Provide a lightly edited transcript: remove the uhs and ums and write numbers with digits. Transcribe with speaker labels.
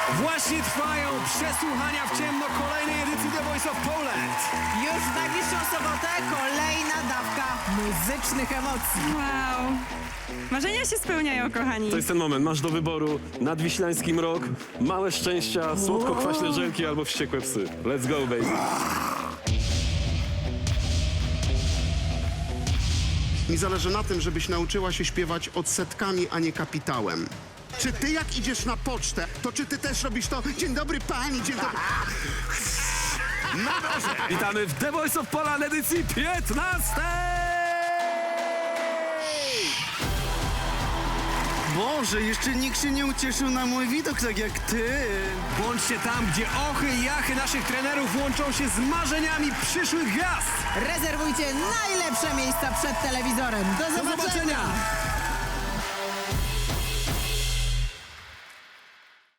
Speaker 1: Właśnie trwają przesłuchania w ciemno kolejnej edycji The Voice of Poland.
Speaker 2: Już w najbliższą sobotę kolejna dawka muzycznych emocji.
Speaker 3: Wow. Marzenia się spełniają, kochani.
Speaker 4: To jest ten moment, masz do wyboru nadwiślański mrok, małe szczęścia, słodko-kwaśne żelki albo wściekłe psy. Let's go, baby.
Speaker 5: Mi zależy na tym, żebyś nauczyła się śpiewać odsetkami, a nie kapitałem. Czy ty jak idziesz na pocztę, to czy ty też robisz to? Dzień dobry pani, dzień dobry...
Speaker 4: Witamy w The Voice of Poland edycji 15!
Speaker 6: Boże, jeszcze nikt się nie ucieszył na mój widok tak jak ty.
Speaker 1: Bądźcie tam, gdzie ochy i jachy naszych trenerów łączą się z marzeniami przyszłych gwiazd.
Speaker 2: Rezerwujcie najlepsze miejsca przed telewizorem. Do zobaczenia!